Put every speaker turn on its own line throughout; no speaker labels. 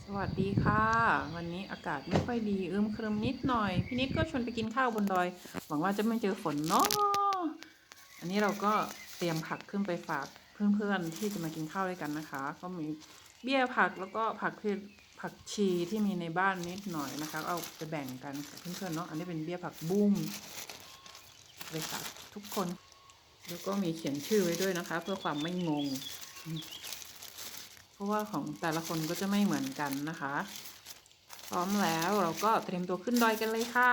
สวัสดีค่ะวันนี้อากาศไม่ค่อยดีครึมนิดหน่อยพี่นิดก็ชวนไปกินข้าวบนดอยหวังว่าจะไม่เจอฝนเนาะอันนี้เราก็เตรียมผักขึ้นไปฝากเพื่อนๆที่จะมากินข้าวด้วยกันนะคะก็มีเบี้ยผักแล้วก็ผักชีที่มีในบ้านนิดหน่อยนะคะเอาไปแบ่งกันกับเพื่อนๆเนาะอันนี้เป็นเบี้ยผักบุ้งไปฝากทุกคนแล้วก็มีเขียนชื่อไว้ด้วยนะคะเพื่อความไม่งงเพราะว่าของแต่ละคนก็จะไม่เหมือนกันนะคะพร้อมแล้วเราก็เตรียมตัวขึ้นดอยกันเลยค่ะ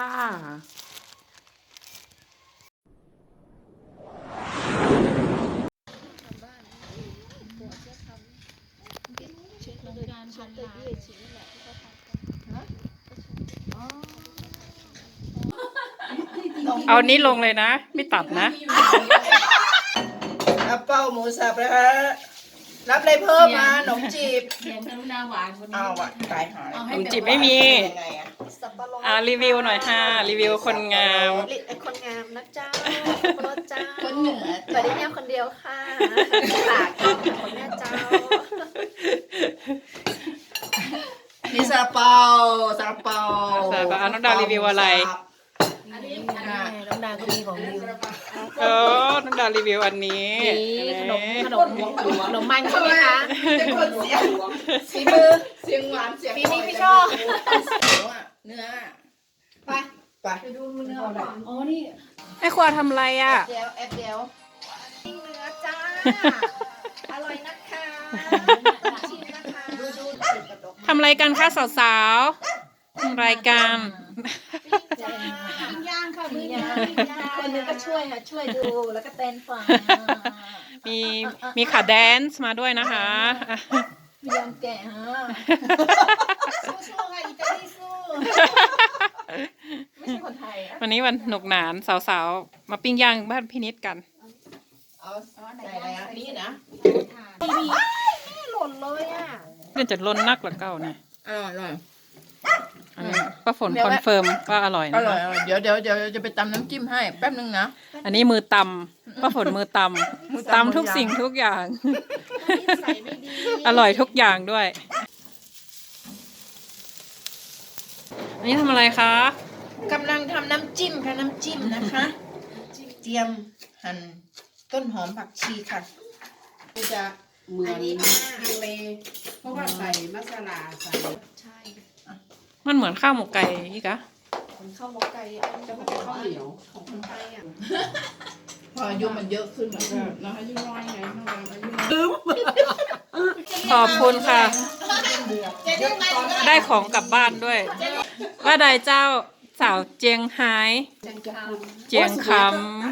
เอานี้ลงเลยนะไม่ตัดนะ
อัปเปิลหมูสับนะฮะรับอะไรเพิ่มมาขนมจีบ
เสียงกรุณาหวานคนนี้
เอาอะตายหา
ขนมจีบไม่มีรีวิวหน่อยค่ะรีวิวคนงาม
คนงามนะเจ้าคนเจ้าคนเหนือสวัสดีเนี่ยคนเดียวค่ะปากคนแม่เจ้า
มีซาลาเปาซาลาเปา
น้องดาวรีวิวอะไร
อันนี้น้องดาก็มีของดี
น้องดาวรีวิวอันนี้
ขนมมันใช่ไหมคะ
เป็นคนเสียง
ฝีมือ
เสียงหวานเสียง
ปีนี้พี่ชอบ
เนื้อไป
ดูเนื้อก่อนอ๋อนี่
ไอ้ครัวทำอะไรอ่ะ
เดี๋ยวเดี๋ยว
เนื้อจ้าอร่อยนะคะชิมนะคะ
ทำอะไรกันคะสาวๆทำรายการ
ย่างค่ะมือย่างคนนึงก็ช่วยค่ะช่วยดูแล้วก็เต้นฟัง
มีขาแดนซ์มาด้วยนะคะ
มียอมแก่ฮะสู้ๆค่ะอิตาลีสู้ไม่ใช่คนไทย
วันนี้วันหนุกหนานสาวๆมาปิ้งย่างบ้านพี่นิดกัน
เอาใส่อะไรนี่นะ
ไม่หล่นเลยอ่ะ
เพื่อนจะล้นนักกว่าเก่าเนี่ย
อร่อย
อันนี้ป้าฝนคอนเฟิร์มว่าอร่อยนะ
อร่อยเดี๋ยวจะไปตำน้ำจิ้มให้แป๊บนึงนะ
อันนี้มือตำป้าฝนมือตำทุกสิ่งทุกอย่างอร่อยทุกอย่างด้วยอันนี้ทำอะไรคะ
กำลังทำน้ำจิ้มค่ะน้ำจิ้มนะคะเตรียมหั่นต้นหอมผักชีค่ะจะเหมือนฮังเลเพราะว่าใส่มัสลาใส่
ใช่
มันเหมือนข้าวหมกไก่อีกอะ
ข้าวหมกไก่จะเป็นข้าวเหนียวของคนไทยอ่ะ
พออายุมันเยอะขึ้นมันก็เราอายุน้อยไง
ขอบคุณค่ะได้ของกลับบ้านด้วยว่าใดเจ้าสาวเจียงไฮ้เจียงคำ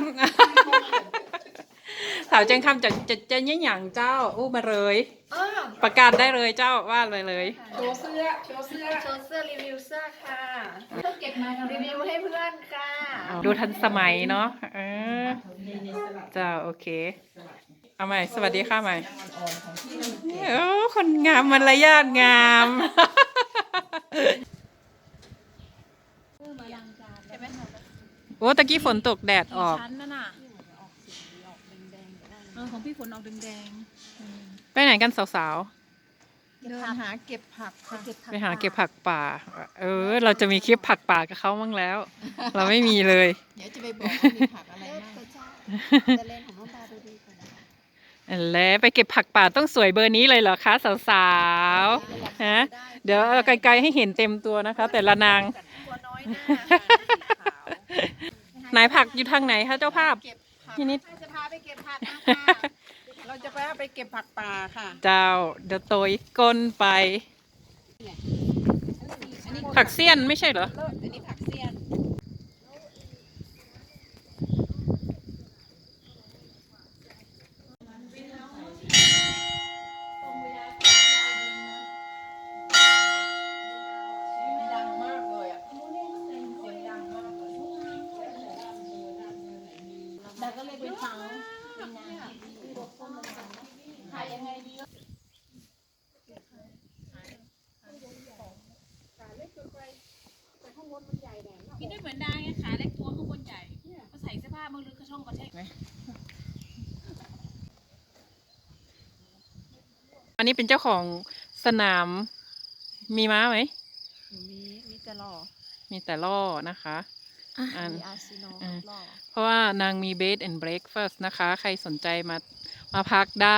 สาวเจียงคำจะเนี่ยอย่างเจ้าอู้มาเลยประกาศได้เลยเจ้าว่าเลย
โชว์เสื้อรีวิวเสื้อค่ะเก็บมารีวิวให้เพื่อนค่ะ
ดูทันสมัยเนาะเจ้าโอเคเอาใหม่สวัสดีค่ะใหม่โอ้คนงามมารยาทงามโอ้ตะกี้ฝนตกแดดออก
ของพี่ฝนออกแดง
ไปไหนกันสาว
เดินหาเก็บผักค่ะ
ไปหาเก็บผักป่าเราจะมีคลิปผักป่ากับเขาบ้างแล้ว เราไม่มีเลย
เดี๋ยวจะไปบอกว่ามีผักอะไรบ้าง
จะเล่นของน้องตาดูดีกว่า
แล้วไปเก็บผักป่าต้องสวยเบอร์นี้เลยเหรอคะสาวๆฮะเดี๋ยวไกลๆให้เห็นเต็มตัวนะคะ แต่ละนางไหนผักอยู่ทางไหนคะเจ้าภาพพี่นิด
จะพาไปเก็บผักนะคะ
เราจะไปเก็บผักป่าค่ะ
เจ้าเดี๋ยวโตยก้นไปผักเสี้ยนไม่ใช่เหรอ
อันนี้ผักเสี้ยนดังมากเลยอ่ะเสียงดังมากเลย
ดาก็เลยไปฟังขายยังไงดีกินได้เหมือนได้ไงขาเล็กตัวข้างบนใหญ่ก็ใส่เสื้อผ้ามือลึกกระช่องกระเทก
อันนี้เป็นเจ้าของสนามมีม้าไหม
มีแต่หล่อ
มีแต่ล่อนะคะ อัน
มีอาร์ซิโนอลหล่อ
เพราะว่านางมี bed and breakfast นะคะ ใครสนใจมาพักได้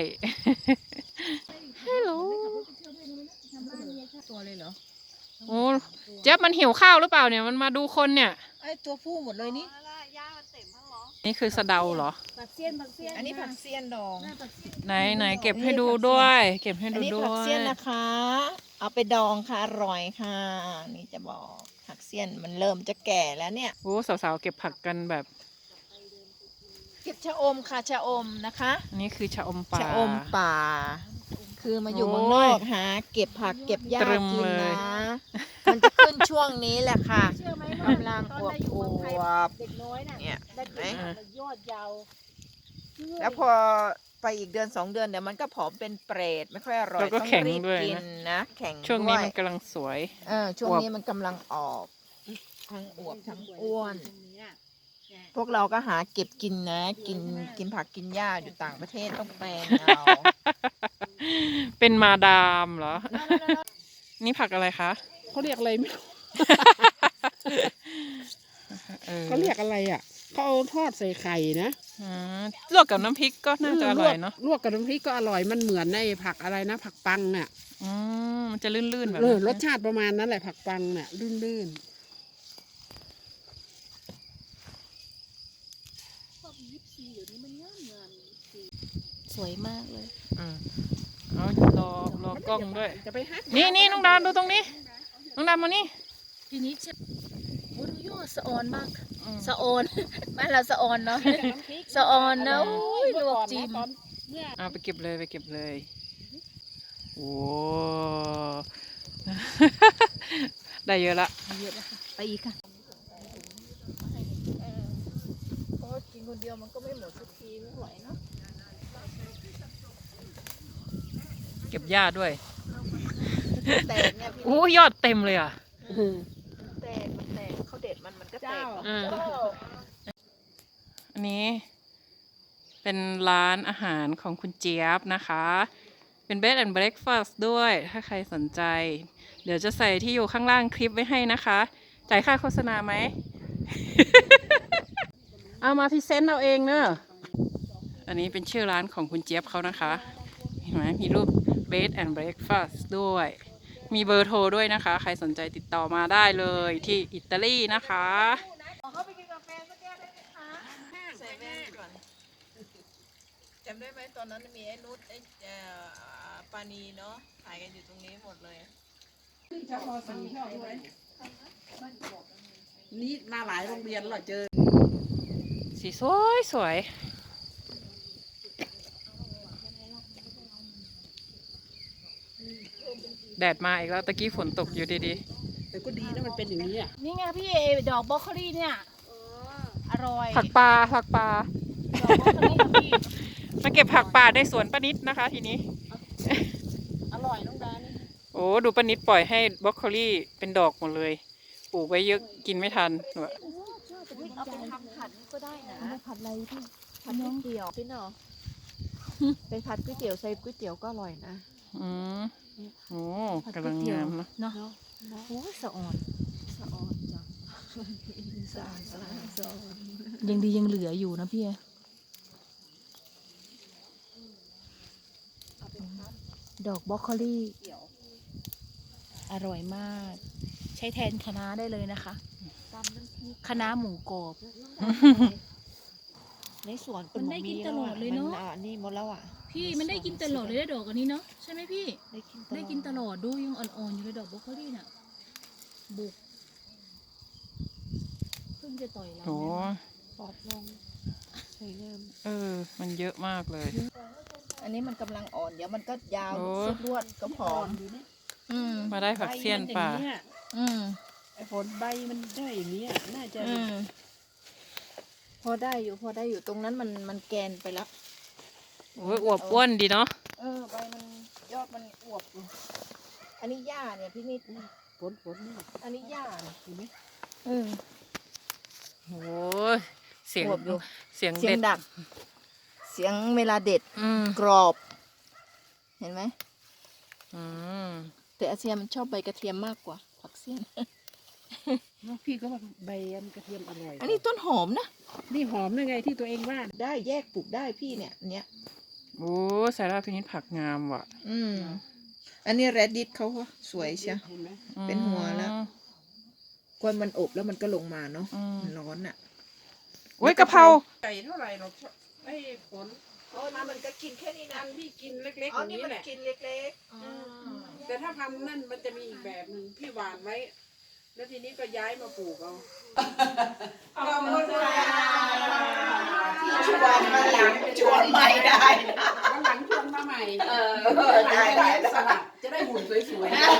ฮัลโหล
ตัวเลยเหรอ
โอ้เจ๊ยบมันหิวข้าวหรือเปล่าเนี่ย มันมาดูคนเนี่ย
ไอตัวผู้หมดเลยนี่
ย่ามันเต็มทั้งหรอ
นี่คือสะเดาเหรอ
ผักเสี้ยนผักเสี้ยน
อันนี้ผักเสี้ยนดอง
ไหนเก็บให้ดูด้วย เก็บให้
อัน
ดู
นี้
ด้
ผัก
ว
เสี้ยน
ย
นะคะ เอาไปดองค่ะอร่อยค่ะ นี่จะบอกผักเสี้ยนมันเริ่มจะแก่แล้วเนี่ย
โอ้สาวๆเก็บผักกันแบบ
เก็บชะอมค่ะชะอมนะคะ
อันนี้คือชะอมป่า
ชะอมป่า คือมาอยู่
โอ้ย
เมืองนอกหาเก็บผักเก็บหญ้า
ตรึม
กิน
เลย
นะ มันจะขึ้นช่วงนี้แหละค่ะ
เชื่อไหม
กำลังอวบอวบ
เด็กน้อยน่ะ
เนี่ย
ได้กิน
เห็นไหม
มันยอดยาว
แล้วพอไปอีกเดือน2 เดือนเดี๋ยวมันก็ผอมเป็นเปรตไม่ค่อยอร่อย
แล้วก็
ต้อง
แข็ง
รีบ
ด้วย
กิน
นะ
นะแข็ง
ช่วงนี้
ด้วย
มันกำลังสวย
ช่วง
อวบ
นี้มันกำลังออกทั้งอวบทั้งอ้วน พวกเราก็หาเก็บกินนะ กินผักกินหญ้าอยู่ต่างประเทศต้องแปลงเอา
เป็นมาดามเหรอ นี่ผักอะไรคะ
เขาเรียกอะไรไม่รู้
เออ
เขาเรียกอะไรอ่ะเขาเอาทอดใส่ไข่นะ
อ่าลวกกับน้ำพริกก็น่าจะอร่อยเนาะ
ลวกกับน้ำพริกก็อร่อยมันเหมือนในผักอะไรนะผักปังอ่ะ
อืมมันจะลื่นๆแบบ
เออ
นั้น
รสชาติประมาณนั้นแหละผักปังเนี่ยลื่น
สวยมากเลย
อืมเอารอกล้องด้วย
ๆจะไปฮัก
นี่น้องดามดูตรงนี้ น้องดามมานี่
ทีนี้จะโอ้ยยอดสะออนมาก
อืม
สะออน บ้านเราสะออนเนาะ สะออนนะโอ้ยลวกจิ้ม
เอาไปเก็บเลยไปเก็บเลย โอ้ ได้เยอะละ
เยอะแล้วค่ะไปอีกค่ะ
เพราะกินคนเดียวมันก็ไม่หมดสักทีไม่ไหวเนาะ
เก็บหญ้าด้วย
แตกเนี่ยพี่
โอ้ยอดเต็มเลยอ่ะ
แตกมันแตกเขาเด็ดมันก็แตก
อืม อันนี้เป็นร้านอาหารของคุณเจี๊ยบนะคะ เป็น bed and breakfast ด้วย ถ้าใครสนใจ เดี๋ยวจะใส่ที่อยู่ข้างล่างคลิปไว้ให้นะคะ จ่ายค่าโฆษณาไหม เอามาพรีเซนต์เอาเองเนอะอันนี้เป็นชื่อร้านของคุณเจี๊ยบเขานะคะ เห็นไหมมีรูป bed and breakfast ด้วย มีเบอร์โทรด้วยนะคะ ใครสนใจติดต่อมาได้เลยที่อิตาลีนะคะ
ใส่แว่นก่อนจำได้ไหมตอนนั้นมีไอ้นุชไอ้ปานีเนาะถ่ายกันอยู่ตรงนี้หมดเลย
นี่มาหลายโรงเรียนเหรอเจอ
สีสวยสวยแดดมาอีกแล้วตะกี้ฝนตกอยู่ดี
แต่ก็ดีนะมันเป็นอย่างนี้อ่ะ
นี่ไงพี่ดอกบรอกโคลีเนี่ยอร่อย
ๆผักปลาผักปลา
ดอกบรอกโคลีค่ะพี่
มาเก็บผักป่าในสวนป้านิดนะคะทีนี้
อร่อยน้องดานี่
โอ้ดูป้านิดปล่อยให้บรอกโคลี่เป็นดอกหมดเลย ปลูกไว้เยอะกินไม่ทันหนูอะ
เอาไปทำผัดนี่ก็ได้นะผัดอะไรพี่ผัดก๋วยเตี๋ยวพี่เนาะไปผัดก๋วยเตี๋ยวใส่ก๋วยเตี๋ยวก็อร่อยนะ
อืมโอ้กำลังงามนะ
เนาะ
โอ้ยสะออนสะออนจังสะออนสะออนสะออน
ยังดียังเหลืออยู่นะพี่
ดอกบรอกโคลีอร่อยมาก ใช้แทนคะน้าได้เลยนะคะคะน้าหมูกรอบ ในสวน
มันได้กินตลอดเลยเนอะ
มันี่หมดแล้วอ่ะ
พี่มันได้กินตลอดเลยนะดอกอันนี้เนาะใช่ไหมพี่ ได้กินตลอดดูยังอ่อนๆอยู่เลยดอกบรอกโคลีน่ะบุกเพิ่งจะต่อยเรา
โอ้
ปอบลงสวยงาม
มันเยอะมากเลย
อันนี้มันกำลังอ่อนเดี๋ยวมันก็ยาว
โอ้
สุดรวดก็ผอม
มาได้ผักเสี้ยนป่า
อืม
ไอ้ผลใบมันได้อย่างนี้ยน่าจะ
พอได้อยู่ตรงนั้นมันแกนไปแล้ว
โอ้ยอวบอ้วนดีเนาะ
ใบมันยอดมันอวบอยู่อันนี้หญ้าเนี่ยพี่นิด
ผลนี่
อันนี้หญ้าเนี่ย
เห็นไหม
โอ้ยเสียง
อวบอยู่
เสียง
เสีย
เด็
ง
ด
ดัก เสียงเวลาเด็ด
อืม
กรอบ เห็นไหม
อืม
แต่อาเซียนมันชอบใบกระเทียมมากกว่าผักเสี้ยน
พี่ก็ว่าใบกระเทียมอร่อย
อันนี้ต้นหอมนะ
นี่หอมยังไงที่ตัวเองว่า
ได้แยกปลูกได้พี่เนี่ยเนี้ย
โอ้ใส่ราพินิจผักงามว่ะ
อันนี้แรดดิสเขาก็สวยเชียว
เห็นไหม
เป็นหัวแล้ว กวนมันอบแล้วมันก็ลงมาเนาะ
อืม
มันร้อนอ่ะ
โอ้ยกะเพรา
ไก่เท่าไหร่หรอกไอ้ผล
มันก็กินแค่นี้นะ
อันที่กินเล็กๆอย่างนี้แหละ
กินเล็ก
แต่ถ้าพันธุ์นั่นมันจะมีอีกแบบหนึ่งพี่หวานไว้ แล้วทีนี้ก็ย้ายมาปลูกเอา
ๆขอบคุณค่ะที่ชวนมาหลังชวนใหม่ได้
วันหลังชวนมาใหม่
ได้
สลัดจะได้หุ่นสวยๆ